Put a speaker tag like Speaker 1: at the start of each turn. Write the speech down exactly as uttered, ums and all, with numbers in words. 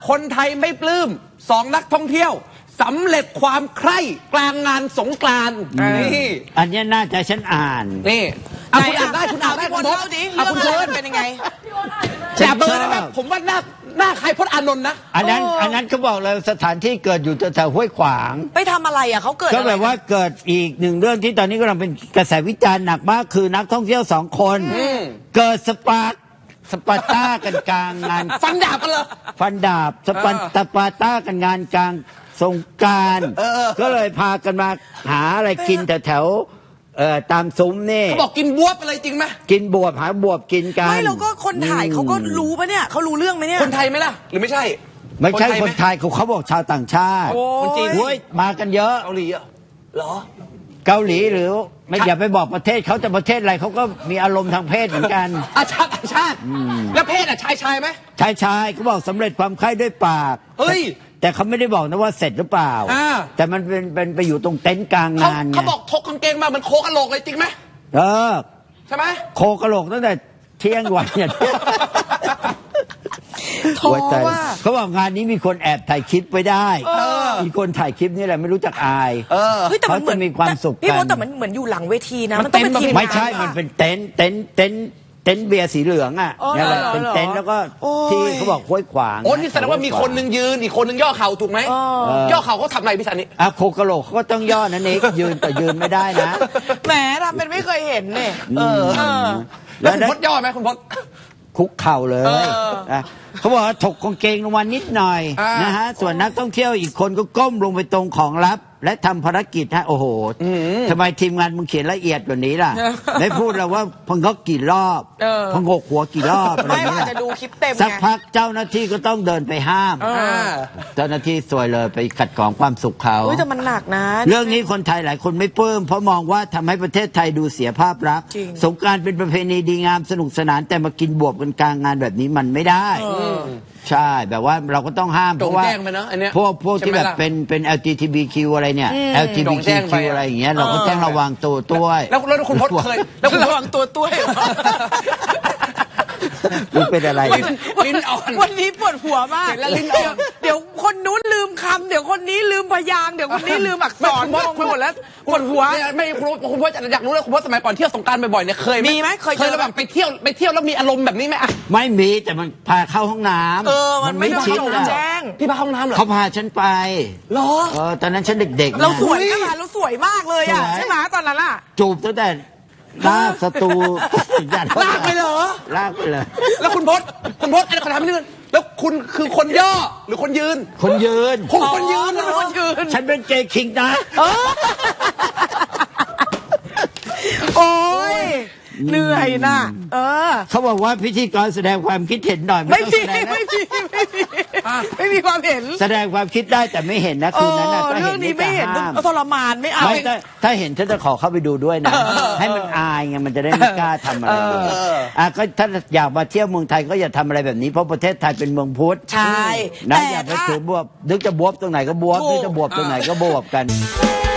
Speaker 1: คนไทยไม่ปลื้มสองนักท่องเที่ยวสำเร็จความใคร่กลางงานสงกรานต์นี่
Speaker 2: อันนี้น่าจะฉันอ่าน
Speaker 1: นี่อ่ะคุณอ่านได้คุณอ่านได้คุณพจน์อ่ะคุณเชิญ
Speaker 3: เป็นยังไง
Speaker 1: แต่เบอร์นะครับผมว่าหน้าหน้าใครพจน์อานนท์นะ
Speaker 2: อันนั้นอันนั้นเขาบอกเลยสถานที่เกิดอยู่แถวห้วยขวาง
Speaker 3: ไปทำอะไรอ่ะเขาเกิด
Speaker 2: ก็แบบว่าเกิดอีกหนึ่งเรื่องที่ตอนนี้กำลังเป็นกระแสวิจารณ์หนักมากคือนักท่องเที่ยวสองคนเกิดสปาร์สปาร์ต้ากันกลางงาน
Speaker 1: ฟันดาบกันเหรอ
Speaker 2: ฟันดาบสปาร์สปาร์ต้ากันงานกลางสงกรานต์ก็เลยพากันมาหาอะไรกินแถวแถวเอ่อตามซุ้มนี่
Speaker 1: เขาบอกกินบวบอะไรจริงไหม
Speaker 2: กินบวบหาบวบกินกัน
Speaker 3: ไม่แล้วก็คนถ่ายเขาก็รู้ปะเนี่ยเขารู้เรื่องไหมเนี่ย
Speaker 1: คนไทยไหมล่ะหรือไม่ใช่
Speaker 2: ไม่ใช่คนไทยเขาเขาบอกชาวต่างชาติ
Speaker 1: คนจีน
Speaker 2: เฮ้ยมากันเยอะ
Speaker 1: เกาหลีเหรอ
Speaker 2: เกาหลีหรือไม่อย่าไปบอกประเทศเขาจะประเทศอะไรเขาก็มีอารมณ์ทางเพศเหมือนกัน
Speaker 1: อาชาติต่างชาติแล้วเพศอ่ะชายชายไหม
Speaker 2: ชายชายเขาบอกสำเร็จความใคร่ด้วยปาก
Speaker 1: เฮ้ย
Speaker 2: แต่เขาไม่ได้บอกนะว่าเสร็จหรือเปล่าแต่มันเป็นเป็นไปอยู่ตรงเต็นท์กลางงาน
Speaker 1: เขาบอกถกกางเกงมาเหมือนโคกะโหลกเลยจริงไหม
Speaker 2: เออ
Speaker 1: ใช่ไหม
Speaker 2: โคกะโหลกตั้งแต่เที่ยงวันเนี่ย
Speaker 3: ท้อว่า
Speaker 2: เขาบอกงานนี้มีคนแอบถ่ายคลิปไว้ได้มีคนถ่ายคลิปนี่แหละไม่รู้จักอาย
Speaker 3: เขาจะมีความสุขกันพี่ว่าแต่มันเหมือนอยู่หลังเวทีนะมันต้องเป็นทีม
Speaker 2: ไม่ใช่มันเป็นเต็นท์เต็นท์เต็นท์เต็นท์เบียร์สีเหลืองอ่ะนี่แหละเป็นเต็นท์แล้วก็ที่เขาบอกห้วยขวาง
Speaker 1: โอ้นี่แสดงว่ามีคนนึงยืนอีกคนนึงย่อเข่าถูกไหมย่อเข่าเขาทำอะไรพี่สันนี่
Speaker 2: อ่ะโคกะโหลกเขาก็ต้องย่อนั่นเองยืนแต่ยืนไม่ได้นะ
Speaker 3: แหมทำเป็นไม่เคยเห็นเนี่ย
Speaker 1: แล้วคุณพจน์ย่อไหมคุณพจน์
Speaker 2: คุกเข่าเลยเขาบอกว่าถกกางเกงลงมานิดหน่อยนะฮะส่วนนักท่องเที่ยวอีกคนก็ก้มลงไปตรงของลับและทำภารกิจฮะโอ้โหทำไมทีมงานมึงเขียนละเอียดกว่านี้ล่ะไม่พูดแล้วว่าพังกกี่รอบพังกหัวกี่รอบอะไร
Speaker 3: ไม่อาจจะดูคลิปเต็ม
Speaker 2: สักพักเจ้าหน้าที่ก็ต้องเดินไปห้ามเจ้าหน้าที่สวยเลยไปขัดขวางความสุขเขา
Speaker 3: แต่มันหนักนะ
Speaker 2: เรื่องนี้คนไทยหลายคนไม่ปลื้มเพราะมองว่าทำให้ประเทศไทยดูเสียภาพลักษณ์สงกรานต์เป็นประเพณีดีงามสนุกสนานแต่มากินบวบกันกลางงานแบบนี้มันไม่ได้ใช่แบบว่าเราก็ต้องห้ามเพราะว่าพวกพวกที่แบบเป็นเป็น แอล จี ที บี คิว อะไรเนี่ย แอล จี บี คิว อะไรอย่างเงี้ยเราก็ต้องระวังตัวด้วย
Speaker 1: แล้วแล้วคุณพจน์เคยแล้วคุณ
Speaker 3: ระวังตัวด้วย
Speaker 2: รู้เป็นอะไร
Speaker 1: ลิ้นอ่อน
Speaker 3: วันนี้ปวดหัวมากแล้วลิ้นอ่อนเดี๋ยวคนนู้นลืมคำเดี๋ยวคนนี้ลืมพยางค์เดี๋ยวคนนี้ลืมอักษร
Speaker 1: คุณหมดแล้วปวดหัวไม่คุณพจน์อยากรู้เลยคุณพจน์สมัยก่อนเที่ยวสงกรานต์บ่อยๆเนี่ยเคย
Speaker 3: มีไหมเคย
Speaker 1: เคยแบบไปเที่ยวไปเที่ยวแล้วมีอารมณ์แบบนี้ไหมอ่ะ
Speaker 2: ไม่มีแต่มันพาเข้าห้องน้ำ
Speaker 3: เออมันไม่ชิดแจ้ง
Speaker 1: พี่พาห้องน้ำเหรอ
Speaker 2: เขาพาฉันไป
Speaker 1: เหรอ
Speaker 2: เออตอนนั้นฉันเด็กๆ
Speaker 3: เราสวยขนาดเราสวยมากเลยอ่ะใช่ไหมตอนนั้นอ่ะ
Speaker 2: จูบตั้งแต่ลากสตู
Speaker 1: ลากไปเหรอ
Speaker 2: ลากไปเลย
Speaker 1: แล้วคุณพจน์คุณพจน์อะไรขอถามนิดนึงแล้วคุณคือคนย่อหรือคนยืน
Speaker 2: คนยืน
Speaker 1: ผมคนยืนแล้วเป็นคนยืน
Speaker 2: ฉันเป็นเกย์คิงนะ
Speaker 3: โอ้ยเหนื่อยนะเออ
Speaker 2: เขาบอกว่าพิธีกรแสดงความคิดเห็นหน่อย
Speaker 3: ไม่มีไม่มีไม่มีไม่มีความเห็น
Speaker 2: แสดงความคิดได้แต่ไม่เห็นนะคืนนั้นนะ
Speaker 3: เรื่องนี้ไม่เห็นทรมานไม่เอา
Speaker 2: ถ้าเห็นฉันจะขอเข้าไปดูด้วยนะให้มันอายไงมันจะได้ไม่กล้าทำอะไรอ่ะก็ถ้าอยากมาเที่ยวเมืองไทยก็อย่าทำอะไรแบบนี้เพราะประเทศไทยเป็นเมืองพุทธ
Speaker 3: ใช่
Speaker 2: นะอย่าไปถือบวบนึกจะบวบตรงไหนก็บวบนึกจะบวบตรงไหนก็บวบกัน